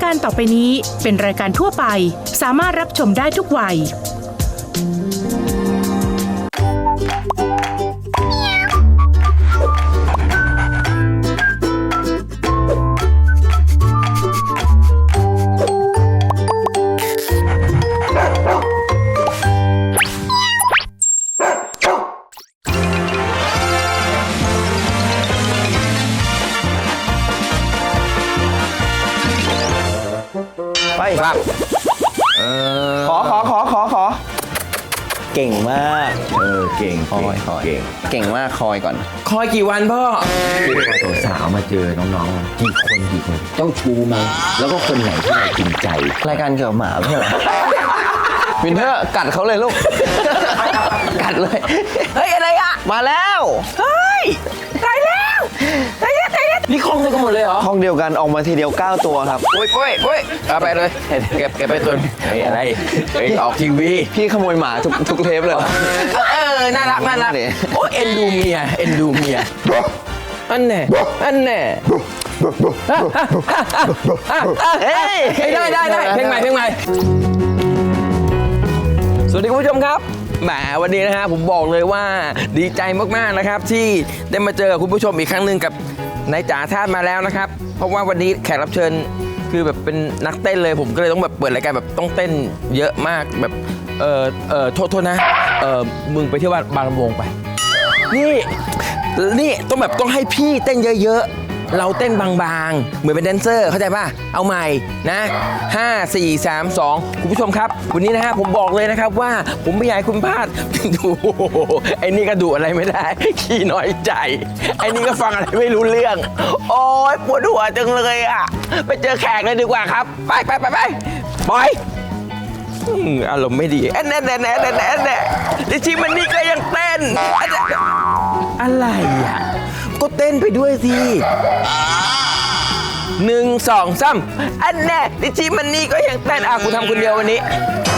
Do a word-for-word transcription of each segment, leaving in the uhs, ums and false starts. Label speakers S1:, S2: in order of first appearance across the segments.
S1: การต่อไปนี้เป็นรายการทั่วไปสามารถรับชมได้ทุกวัย
S2: ไปครับขอขอขอขอขอเก่งมากเออเก่งคอยคอยเก่งเก่งมากคอยก่อน
S3: คอยกี่วันพ่อ
S2: สาวมาเจอน้องๆกี่คนกี่คนเจ้าชูไหมแล้วก็คนไหนที่เราจริงใจรายการเกี่ยวกับหมาเพื่อวินเทอร์กัดเขาเลยลูกกัดเลยเฮ้ยอะไรอะมาแล้ว
S3: เฮ้ยตายแล้วตายแล้วตายแล้วนี่คลองเดียวกันหมดเลยเหรอ
S2: คลองเดียวกันออกมาทีเดียวเก้าตัวครับ
S3: โอ้ยโอ้ยโอ้ยเอาไปเลยเก็บเก็บไปตัวเฮ้ยอะไรเฮ้ยออกทีวี
S2: พี่ขโมยหมาทุกทุกเทปเลย
S3: เออน่ารักน่ารักโอ้เอ็นดูเมียเอ็นดูเมียอันแน่อันแน่เฮ้ยได้ได้ได้เพลงใหม่เพลงใหม่สวัสดีคุณผู้ชมครับแหมวันนี้นะฮะผมบอกเลยว่าดีใจมากๆนะครับที่ได้มาเจอกับคุณผู้ชมอีกครั้งหนึ่งกับนายจ๋าธาตุมาแล้วนะครับเพราะว่าวันนี้แขกรับเชิญคือแบบเป็นนักเต้นเลยผมก็เลยต้องแบบเปิดรายการแบบต้องเต้นเยอะมากแบบเออเออโทษโทษนะเออมึงไปเที่ยวบางลำวงไปนี่นี่ต้องแบบต้องให้พี่เต้นเยอะๆเราเต้นบางๆเหมือนเป็นแดนเซอร์เข้าใจป่ะเอาใหม่นะห้า สี่ สาม สองคุณผู้ชมครับวันนี้นะฮะผมบอกเลยนะครับว่าผมไม่อยากให้คุณพลาดดูไอ้นี่ก็ดูอะไรไม่ได้ขี้น้อยใจไอ้นี่ก็ฟังอะไรไม่รู้เรื่องโอ๊ยปวดหัวจังเลยอ่ะไปเจอแขกเลยดีกว่าครับไปไปไปไปปล่อยอารมณ์ไม่ดีแอนแอนแอนแอนแอนแอนดิชิมันนี่ก็ยังเต้นอะไรอ่ะก็เต้นไปด้วยสิหนึ่งสองสามอันแน่ดิชิมันนี่ก็ยังเต้นอ่ะกูทำคนเดียววันนี้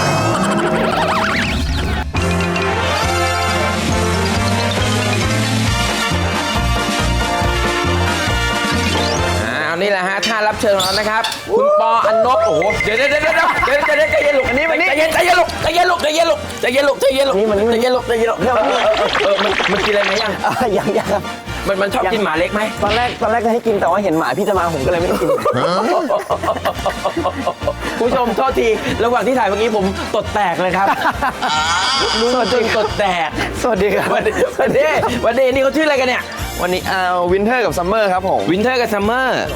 S3: นี่แหละฮะท่ารับเชิญของเรานะครับคุณปออันนบโอ้โหเดี๋ยวเดี๋ยวเดี๋ยวเดี๋ยวเดี๋ยวเดี๋ยวใจเย็นลูกอันนี้มันใจเย็นใจเย็นลูกใจเย็นลูกใจเย็นลูกใจเย็นลูกใจเย็นลูกนี่มันใจเย็นลูกใจเย็นลูกเออเออมันมันกินอะไรไหมยัง
S2: ยังยัง
S3: มันมันชอบกินหมาเล็กไหม
S2: ตอนแรกตอนแรกจะให้กินแต่ว่าเห็นหมาพี่จะมาผมก็เลยไม่ได้กิน
S3: ผู้ชมโทษทีระหว่างที่ถ่ายเมื่อกี้ผมตดแตกเลยครับรู้จนตดแตก
S2: สวัสดีครับ
S3: วันนี้วันนี้วันนี้นี่เขาชื่ออะไรกันเนี่ย
S2: วันนี้อ่าวินเทอร์กับซัมเมอร์ครับผม
S3: วินเทอร์กับซัมเมอร์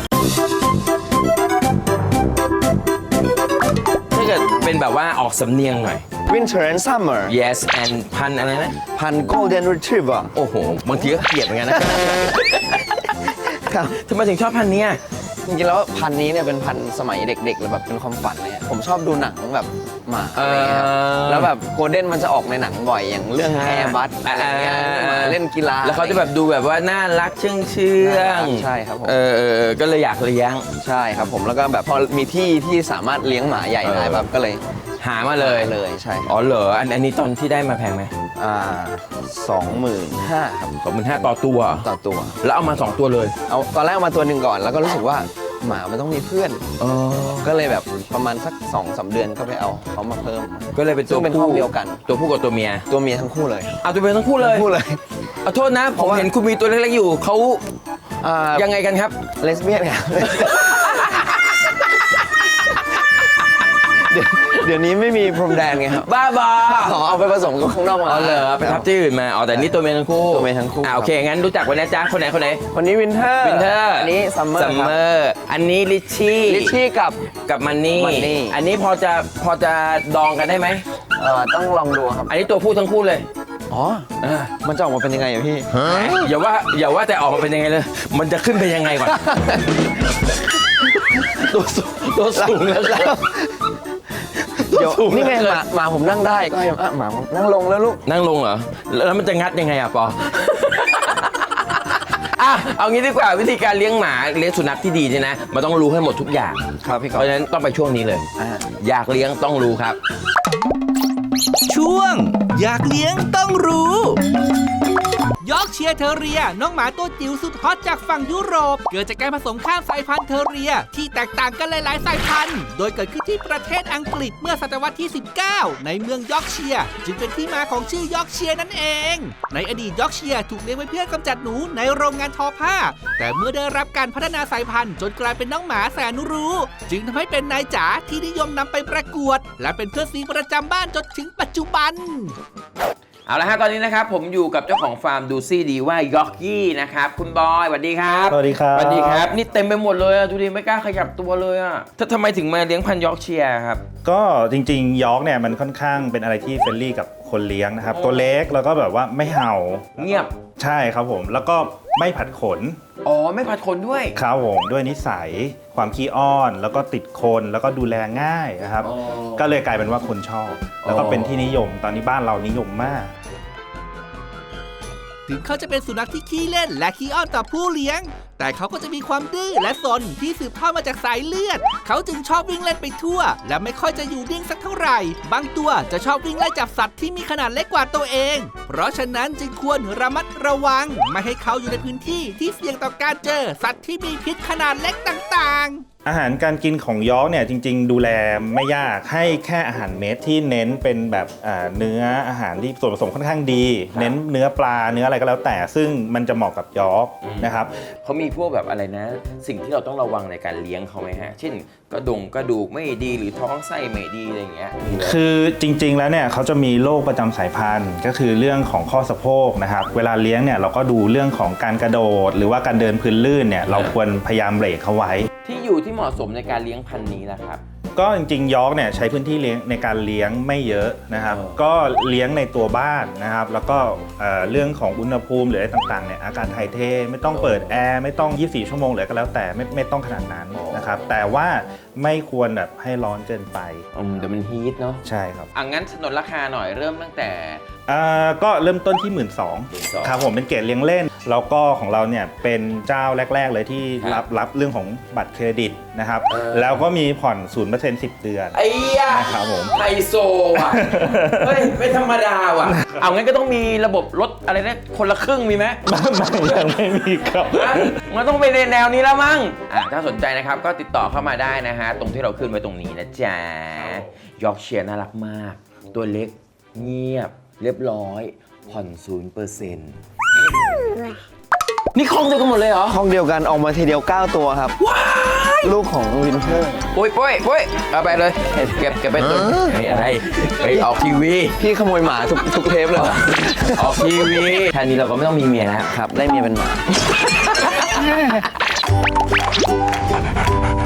S3: ถ้าเกิดเป็นแบบว่าออกสำเนียงหน่อย
S2: Winter and Summer
S3: yes and พันอะไรนะ
S2: พัน Golden Retriever
S3: โอ้โหบางทีก็เกลียดเหมือนกันนะทำไมถึงชอบพันนี้
S2: จริงๆแล้วพันนี้เนี่ยเป็นพันสมัยเด็กๆเลยแบบเป็นความฝันเลยผมชอบดูหนังแบบหมาอะไรเงี้ยแล้วแบบโกลเด้นมันจะออกในหนังบ่อยอย่างเรื่องแอร์บัสอะไรเงี้ยมาเล่นกีฬา
S3: แล้วเขาจะแบบดูแบบว่าน่ารักเชื่องเชื่อง
S2: ใช่ครับผม
S3: เออก็เลยอยากเลี้ยง
S2: ใช่ครับผมแล้วก็แบบพอมีที่ที่สามารถเลี้ยงหมาใหญ่ได้แบบก็เลย
S3: หามาเลย
S2: เลยใช่
S3: อ๋อเหรออันนี้ตอนที่ได้มาแพงไหม
S2: อ่าสองหมื่นห้าครับ
S3: สองหมื่นห้าต่อตัว
S2: ต่อตัว
S3: แล้วเอามาสองตัวเลย
S2: เอาตอนแรกเอามาตัวหนึ่งก่อนแล้วก็รู้สึกว่าหมามันต้องมีเพื่อนก็เลยแบบประมาณสักสองสามเดือนก็ไปเอาเขามาเพิ่ม
S3: ก็เลยเป็นตัว
S2: ผู้เดียวกัน
S3: ตัวผู้กับตัวเมีย
S2: ตัวเมียทั้งคู่เลย
S3: เอาตัวเมียทั้งคู่เลย
S2: คู่เลย
S3: เอาโทษนะผมเห็นคุณมีตัวเล็กๆอยู่เขายังไงกันครับ
S2: เลสเบี้ยนครับเดี๋ยวนี้ไม่มีพรมแดนไงครับ
S3: บ้าบอ
S2: เอาไปผสมกับข้างนอกมา
S3: อ๋อเหรอไปทับที่อื่นมาอ๋อแต่นี่ตัวเมียทั้งคู่
S2: ตัวเมียทั้งคู่
S3: อ่าโอเคงั้นรู้จักวันนี้จ้าคนไหนคนไหน
S2: คนนี้วินเทอร์
S3: วินเทอร์
S2: อันนี้ซัมเมอร์
S3: ซัมเมอร์อันนี้ลิชชี่
S2: ลิชชี่กับ
S3: กับมันนี่อันนี้พอจะพอจะดองกันได้ไหม
S2: เออต้องลองดูครับ
S3: อันนี้ตัวผู้ทั้งคู่เลย
S2: อ๋อมันจะออกมาเป็นยังไงอะพี่
S3: อย่าว่าอย่าว่าแต่ออกมาเป็นยังไงเลยมันจะขึ้นไปยังไงก่อนตัวสูงตัวสูงแล้วครับ
S2: เดี๋ยวนี่ไงหมาหมาผมนั่งได้ก็ให้หมานั่งลงแล้วลูก
S3: นั่งลงเหรอแล้วมันจะงัดยังไงอ่ะปออ่ะเอางี้ดีกว่าวิธีการเลี้ยงหมาเลี้ยงสุนัขที่ดีเนี่ยนะมันต้องรู้ให้หมดทุกอย่าง
S2: ครับพี่
S3: เพราะฉะนั้นต้องไปช่วงนี้เลยอยากเลี้ยงต้องรู้ครับ
S4: ช่วงอยากเลี้ยงต้องรู้ยอร์กเชียร์เทอเรียน้องหมาตัวจิ๋วสุดฮอตจากฝั่งยุโรป เกิดจากการผสมข้ามสายพันธุ์เทอเรียที่แตกต่างกันหลายๆสายพันธุ์โดยเกิดขึ้นที่ประเทศอังกฤษเมื่อศตวรรษที่ สิบเก้า ในเมืองยอร์กเชียร์จึงเป็นที่มาของชื่อยอร์กเชียร์นั่นเองในอดีตยอร์กเชียร์ถูกเลี้ยงไว้เพื่อกำจัดหนูในโรงงานทอผ้าแต่เมื่อได้รับการพัฒนาสายพันธุ์จนกลายเป็นน้องหมาแสนรู้จึงทำให้เป็นนายจ๋าที่นิยมนำไปประกวดและเป็นเพื่อนซีประจำบ้านจนถึงปัจจุบัน
S3: เอาละฮะตอนนี้นะครับผมอยู่กับเจ้าของฟาร์มดูซี่ดีว่ายอร์กี้นะครับคุณบอยสวัสดีครับ
S5: สวัสดีครับ
S3: สวัสดีครับนี่เต็มไปหมดเลยอะดูดิไม่กล้าขยับตัวเลยอะถ้าทำไมถึงมาเลี้ยงพันธุ์ยอร์กเชียร์ครับ
S5: ก็จริงๆยอร์กเนี่ยมันค่อนข้างเป็นอะไรที่เฟรนลี่กับคนเลี้ยงนะครับตัวเล็กแล้วก็แบบว่าไม่เห่า
S3: เงียบ
S5: ใช่ครับผมแล้วก็ไม่ผัดขน
S3: อ๋อไม่ผัดขนด้วย
S5: ครับผมด้วยนิสัยความขี้อ้อนแล้วก็ติดคนแล้วก็ดูแลง่ายนะครับก็เลยกลายเป็นว่าคนชอบแล้วก็เป็นที่นิยมตอนนี้บ้านเรานิยมมาก
S4: ถึงเขาจะเป็นสุนัขที่ขี้เล่นและขี้อ้อนต่อผู้เลี้ยงแต่เขาก็จะมีความดื้อและซนที่สืบทอดมาจากสายเลือดเขาจึงชอบวิ่งเล่นไปทั่วและไม่ค่อยจะอยู่นิ่งสักเท่าไหร่บางตัวจะชอบวิ่งไล่จับสัตว์ที่มีขนาดเล็กกว่าตัวเองเพราะฉะนั้นจึงควรระมัดระวังไม่ให้เขาอยู่ในพื้นที่ที่เสี่ยงต่อการเจอสัตว์ที่มีพิษขนาดเล็กต่างๆ
S5: อาหารการกินของยอร์กเนี่ยจริงๆดูแลไม่ยากให้แค่อาหารเม็ดที่เน้นเป็นแบบเนื้ออาหารที่ส่วนผสมค่อนข้างดีเน้นเนื้อปลาเนื้ออะไรก็แล้วแต่ซึ่งมันจะเหมาะกับยอร์กนะครับ
S3: เขามีพวกแบบอะไรนะสิ่งที่เราต้องระวังในการเลี้ยงเขาไหมฮะเช่นกระดงกระดูกไม่ดีหรือท้องไส้ไม่ดีอะไรอย่างเงี้ย
S5: คือจริงๆแล้วเนี่ยเขาจะมีโรคประจำสายพันธุ์ก็คือเรื่องของข้อสะโพกนะครับเวลาเลี้ยงเนี่ยเราก็ดูเรื่องของการกระโดดหรือว่าการเดินพื้นลื่นเนี่ยเราควรพยายามเบรกเขาไว้
S3: ที่อยู่ที่เหมาะสมในการเลี้ยงพันธุ์นี้นะครับ
S5: ก็จริงๆยอร์กเนี่ยใช้พื้นที่เลี้ยงในการเลี้ยงไม่เยอะนะครับก็เลี้ยงในตัวบ้านนะครับแล้วก็เรื่องของอุณหภูมิหรืออะไรต่างๆเนี่ยอากาศถ่ายเทไม่ต้องเปิดแอร์ไม่ต้องยี่สิบสี่ชั่วโมงหรือก็แล้วแต่ไม่ไม่ต้องขนาดนั้นนะครับแต่ว่าไม่ควรแบบให้ร้อนเกินไป
S3: อืมเดี๋ยวมันฮีทเนาะ
S5: ใช่ครับ
S3: อ่ะงั้นสนนราคาหน่อยเริ่มตั้งแต่
S5: อ่าก็เริ่มต้นที่ หนึ่งหมื่นสองพัน ครับผมเป็นเกรดเลี้ยงเล่นแล้วก็ของเราเนี่ยเป็นเจ้าแรกๆเลยที่รับรับเรื่องของบัตรเครดิตนะครับแล้วก็มีผ่อน ศูนย์เปอร์เซ็นต์ สิบเดือน
S3: ไอ้ยา
S5: นะครับผม
S3: ไฮโซว่ะเฮ้ยไม่ธรรมดาว่ะเอางั้นก็ต้องมีระบบลดอะไรนะคนละครึ่งมีไหม
S5: ยังไม่มีครับ
S3: มันต้องไปในแนวนี้แล้วมั้งอ่ะถ้าสนใจนะครับก็ติดต่อเข้ามาได้นะฮะตรงที่เราขึ้นไว้ตรงนี้นะจ๊ะยอร์กเชียร์น่ารักมากตัวเล็กเงียบเรียบร้อยผ่อน ศูนย์เปอร์เซ็นต์ นี่คลองเดียวกันหมดเลยเหรอ
S2: คลองเดียวกันออกมาทีเดียวเก้าตัวครับ
S3: ว้าย
S2: ลูกของวินเทอร์
S3: ปุ้ยปุ้ยปุ้ยเอาไปเลยเก็บเก็บไปตัวอะไรไปออกทีวี
S2: พี่ขโมยหมาทุกทุกเทปเลย
S3: ออกทีวีแค่นี้เราก็ไม่ต้องมีเมียแล้ว
S2: ครับได้เมียเป็นหมา